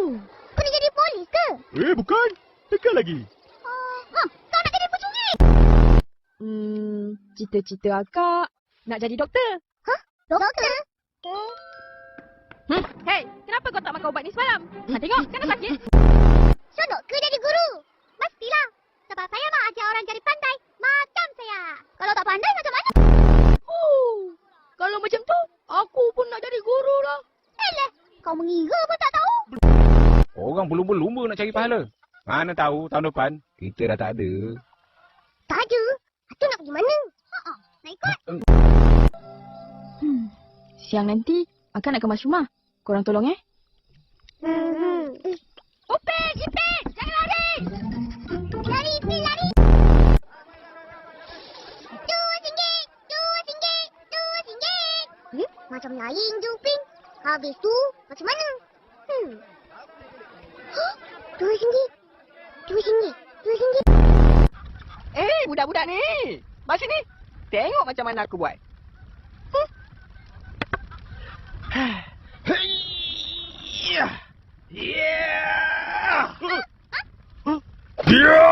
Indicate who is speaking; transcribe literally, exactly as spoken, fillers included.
Speaker 1: Kau nak jadi polis ke?
Speaker 2: Eh, bukan. Tekan lagi.
Speaker 1: Uh, ha, kau nak jadi pencuri?
Speaker 3: Hmm, cita-cita akak nak jadi doktor.
Speaker 1: Hah? Doktor?
Speaker 3: Hmm, hey, kenapa kau tak makan ubat ni semalam? Ha, tengok, kan dah sakit.
Speaker 1: Seronok ke jadi guru? Mestilah. Sebab saya mak ajar orang jadi pandai. Macam saya. Kalau tak pandai macam mana?
Speaker 3: Oh, kalau macam tu, aku pun nak jadi guru lah.
Speaker 1: Eleh, kau mengira pun tak tahu.
Speaker 4: Orang berlumba-lumba nak cari pahala. Mana tahu tahun depan kita dah tak ada.
Speaker 1: Tak ada. Itu nak pergi mana? Ha-ha, nak ikut?
Speaker 3: Hmm, siang nanti, akak nak kemas rumah. Korang tolong eh.
Speaker 1: Hmm.
Speaker 3: Upik, Ipik, jangan lari.
Speaker 1: Lari, Ipin, lari. Dua singgit, dua singgit, dua singgit. Hmm? Macam lain je, Upin. Habis tu, macam mana? Hmm. Huh? Dua singgit. Dua singgit. Dua singgit.
Speaker 3: Eh, budak-budak ni. Mari sini. Tengok macam mana aku buat.
Speaker 4: Yeah. Yeah.